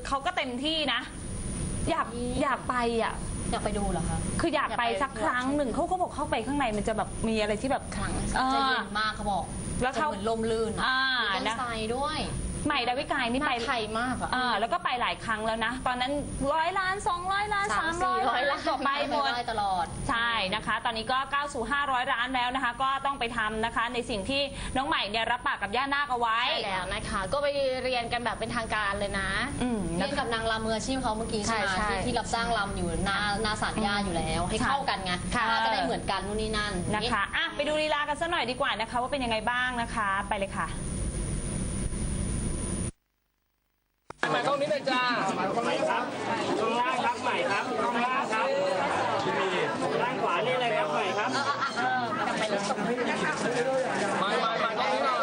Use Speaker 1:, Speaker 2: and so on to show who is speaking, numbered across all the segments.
Speaker 1: เขาก็เต็มที่นะอยากไปอ่ะ
Speaker 2: อยากไปดูเหรอคะ
Speaker 1: คืออยากไปสักครั้งหนึ่งเขาบอกเข้าไปข้างในมันจะแบบมีอะไรที่แบบ
Speaker 2: ครั้งจะเย็นมากเขาบอก
Speaker 1: แล้วเขา
Speaker 2: เหมือนลมลื่นมีต้นไทรด้วย
Speaker 1: ใหม่ดาวิกายนี่ไป
Speaker 2: ไทยมาก
Speaker 1: แล้วก็ไปหลายครั้งแล้วนะตอนนั้น100 ล้าน200 ล้าน300 ล้านก็ไปหมด
Speaker 2: ตลอด
Speaker 1: ใช่นะคะตอนนี้ก็ก้าวสู่500 ล้านแล้วนะคะก็ต้องไปทำนะคะในสิ่งที่น้องใหม่เนี่ยรับปากกับย่านาคเอาไว้
Speaker 2: ใช่แล้วนะคะก็ไปเรียนกันแบบเป็นทางการเลยนะเรียนกับนางรำมืออาชีพเขาเมื่อกี้ใช่ไหมที่รับจ้างรำอยู่หน้าศาลย่าอยู่แล้วให้เข้ากันไงจะได้เหมือนกันนู่นนี่นั่น
Speaker 1: นะคะไปดูลีลากันสักหน่อยดีกว่านะคะว่าเป็นยังไงบ้างนะคะไปเลยค่ะ
Speaker 3: ใหม่ตรงนี้เลยจ้าตรงไหนครับตรงล่างครับใหม่ครับตรงล่างครับด้านขวานี่เลยครับใหม่ครับมาตรงนี้หน่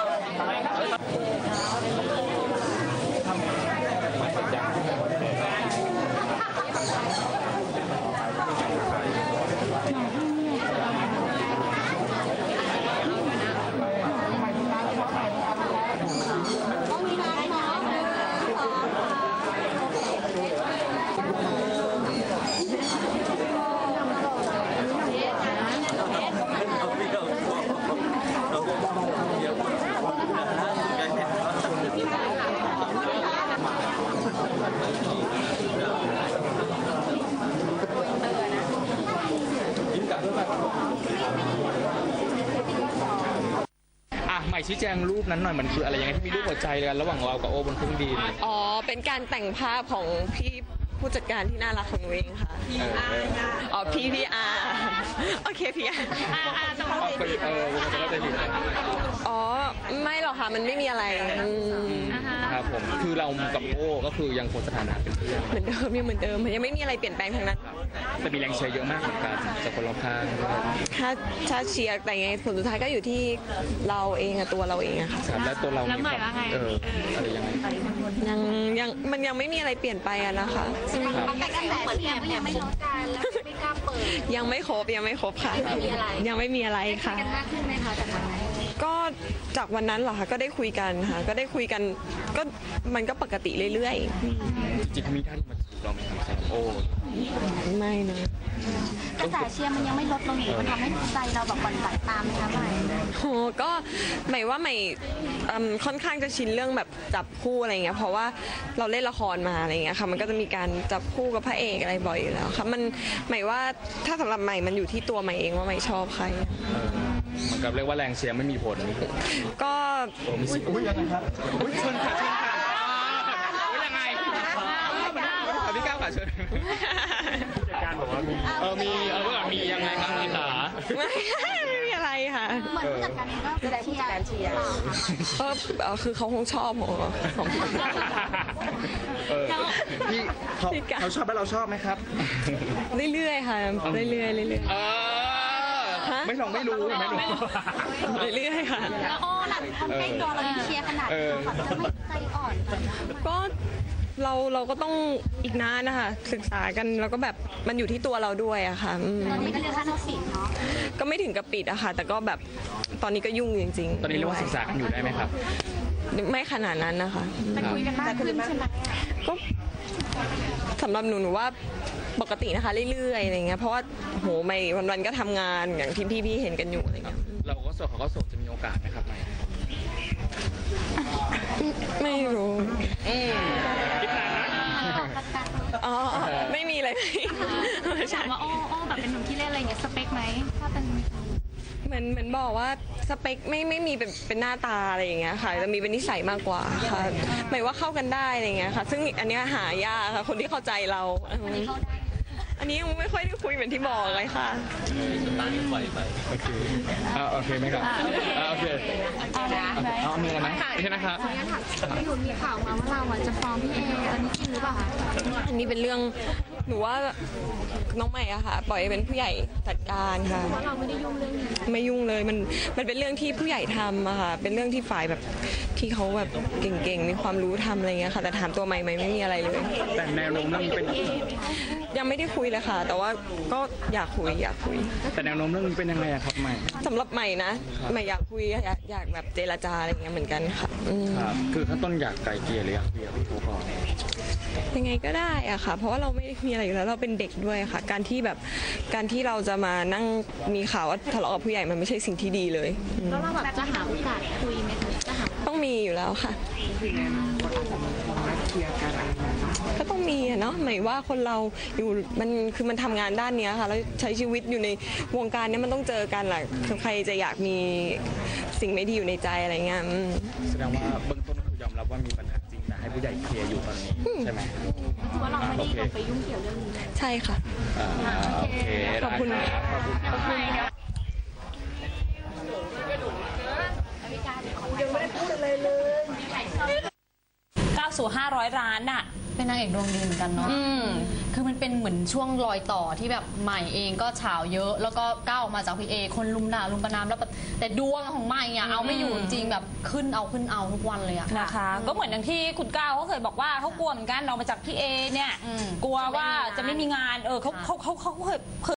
Speaker 4: ใหม่ชี้แจงรูปนั้นหน่อยมันคืออะไรยังไงที่มีรูปหัวใจกันระหว่างเรากับโอบนเครื่องบิน
Speaker 5: เป็นการแต่งภาพของพี่ผู้จัดการที่น่ารักของเองค่ะพี่อาร์โอเคพี่อาร์
Speaker 4: จะเข้าใจผิด
Speaker 5: ไม่หรอกค่ะมันไม่มีอะไร
Speaker 4: ครับผมคือเรากับโอ้ก็คือยังคงสถานะเป็นเพื่อน
Speaker 5: เหมือนเดิมยังเหมือนเดิมยังไม่มีอะไรเปลี่ยนแปลงทั้งนั้น
Speaker 4: แต่มีแรงเชียร์เยอะมากเหมือนกันจากคนรอบข้าง
Speaker 5: ถ้าเชียร์แต่ไงผลสุดท้ายก็อยู่ที่เราเองตัวเราเองอะค่ะ
Speaker 4: แล้วตัวเรามีความอะไรยังไง
Speaker 5: ยังมันยังไม่มีอะไรเปลี่ยนไปอะนะคะ
Speaker 2: แต่กระแสเชียร์ยังไม่ลดการแล้วไม่กล้าเปิด
Speaker 5: ยังไม่ครบค่ะยังไม่มีอะไรค่ะ
Speaker 2: กันมากขึ้นไหมคะจากวันนั้น
Speaker 5: ก็จากวันนั้นเหรอคะก็ได้คุยกันค่ะก็ได้คุยกันก็มันก็ปกติเรื่อย
Speaker 4: ๆจิตมีท่านมาจีบเราไหมครับโอ้
Speaker 5: ไม่นะ
Speaker 2: กระแสเชียร์มันยังไม่ลดลงอยู่มันทำให้ใจเราแบบหวั่นไหวตามไหมคะใหม่
Speaker 5: ก็หมายว่าใหม่ค่อนข้างจะชินเรื่องแบบจับคู่อะไรเงี้ยเพราะว่าเราเล่นละครมาอะไรเงี้ยค่ะมันก็จะมีการจับคู่กับพระเอกอะไรบ่อยอยู่แล้วค่ะมันหมายว่าถ้าสำหรับใหม่มันอยู่ที่ตัวใหม่เองว่าใหม่ชอบใคร
Speaker 4: เหมือนกับเรียกว่าแรงเชียร์ไม่มีผล
Speaker 5: ก็
Speaker 4: ยังไงครับเชิญค่ะยังไงพี่ก้าวค่ะเชิญการบอกว่ามียังไงครับพี่ขา
Speaker 5: ไม่มีอะไรค่ะ
Speaker 2: เหมือนผู้จัดการก็แสดงผู้จัดการเชียร์
Speaker 5: คือเขาคงชอบของ
Speaker 4: พี่เขาชอบแล้วเราชอบไหมครับ
Speaker 5: เรื่อยๆค่ะเรื่อย
Speaker 4: ไม่ลองไม่รู้
Speaker 5: เรื่อยๆค่ะ
Speaker 2: แล้วหลังคนใกล้ตัวเราเชียร์ขนาดนี้ค่ะจะไม่ใจอ่อน
Speaker 5: ก็เราก็ต้องอีกนานนะคะศึกษากันแล้วก็แบบมันอยู่ที่ตัวเราด้วยอะค่ะ
Speaker 2: ตอนนี้ก็เรียนขั้นปิดเนาะ
Speaker 5: ก็ไม่ถึงกับปิดอะค่ะแต่ก็แบบตอนนี้ก็ยุ่งจริง
Speaker 4: ๆตอนนี้เรียกว่าศึกษากันอยู่ได้ไหมครับ
Speaker 5: ไม่ขนาดนั้นนะคะ
Speaker 2: แต่คุยกันมากขึ้นใช่ไหม
Speaker 5: ก็สำหรับหนูว่าปกตินะคะเรื่อยๆอะไรเงี้ยเพราะว่าโหไม่วันๆก็ทำงานอย่างที่พี่เห็นกันอยู่อะไรเงี้ย
Speaker 4: เราก็โสดเขาก็โสดจะมีโอกาสไหมครับ
Speaker 5: ไม่รู้
Speaker 4: คิดนานนะ
Speaker 5: ไม่มีเลย
Speaker 2: ถามว่าโอ้แบบเป็นหนุ่มที่เล่นอะไรเงี้ยสเปคไหมถ้าเป็น
Speaker 5: เหมือนบอกว่าสเปคไม่มีเป็นหน้าตาอะไรอย่างเงี้ยค่ะจะมีเป็นนิสัยมากกว่าค่ะหมายว่าเข้ากันได้อะไรเงี้ยค่ะซึ่งอันนี้หายากค่ะคนที่เข้าใจเราอันนี้ยังไม่ค่อยได้คุยเหมือนที่บอกเลยค่ะ
Speaker 4: ตั้งปล่อยไปโอเคไหมครับโอเคมีอะไรไหมใช่นะครับ
Speaker 2: พี่หนุ่มมีข่าวมาว่าเราจะฟ้องพี่เออันนี้จริงหรือเปล่าคะ
Speaker 5: อันนี้เป็นเรื่องหนูว่าน้องใหม่อะค่ะปล่อยเป็นผู้ใหญ่จัดการค่ะ
Speaker 2: เพราะเราไม่ได้ยุ่งเรื่องนี้
Speaker 5: ไม่ยุ่งเลยมันเป็นเรื่องที่ผู้ใหญ่ทำอะค่ะเป็นเรื่องที่ฝ่ายแบบที่เขาแบบเก่งๆมีความรู้ทำอะไรเงี้ยค่ะแต่ถามตัวใหม่ไม่มีอะไรเลย
Speaker 4: แต่แนวโน้มเรื่องเป็น
Speaker 5: ยังไม่ได้คุยเลยค่ะแต่ว่าก็อยากคุย
Speaker 4: แต่แนวโน้มเรื่องนี้เป็นยังไงครับใหม่
Speaker 5: สำหรับใหม่นะใหม่อยากคุยอยากแบบเจรจาอะไรเงี้ยเหมือนกันค่ะ
Speaker 4: ครับคือขั้นต้นอยากไกลเกลี่ยหรืออยากคุยกับพี่ผู้ก่อน
Speaker 5: ยังไงก็ได้อะค่ะ เพราะว่าเราไม่ได้มีอะไรอยู่แล้วเราเป็นเด็กด้วยค่ะ การที่เราจะมานั่งมีข่าวว่าทะเลาะกับผู้ใหญ่มันไม่ใช่สิ่งที่ดีเลยอืม
Speaker 2: แล้วเราแบบจะหาโอกาสคุยไหมคะจะหา
Speaker 5: ต้องมีอยู่แล้วค่ะก็ต้องมีอะเนาะหมายว่าคนเราอยู่มันทำงานด้านเนี้ยค่ะแล้วใช้ชีวิตอยู่ในวงการเนี้ยมันต้องเจอกันแหละใครจะอยากมีสิ่งไม่ดีอยู่ในใจอะไรเงี้ยอืม
Speaker 4: แสดงว่าเบื้องต้นคือยอมรับว่ามีปัญหาจริงแต่ให้ผู้ใหญ่เคลียร์อยู่ตอนนี้ใช่ไหมว่าเราไม่ได้ลงไปยุ่งเกี่ยวเรื่องนี้
Speaker 5: ใช่ค่ะ
Speaker 4: โอเค
Speaker 5: ขอบคุณ
Speaker 4: ได้รับขอบคุณครับ
Speaker 1: ก้าวสู่500 ล้านน่ะ
Speaker 2: เป็นนางเอกดวงดีเหมือนกันเนาะ คือมันเป็นเหมือนช่วงรอยต่อที่แบบใหม่เองก็ฉาวเยอะ แล้วก็ก้าวออกมาจากพี่เอคนลุมด่าลุมประนามแล้วแบบแต่ดวงของใหม่อะเอาไม่อยู่จริงๆแบบขึ้นเอาทุกวันเลยอะ
Speaker 1: นะคะ ก็เหมือนอย่างที่คุณก้าวเขาเคยบอกว่าเขากลัวเหมือนกันออกมาจากพี่เอเนี่ย กลัวว่าจะไม่มีงานเขาเคย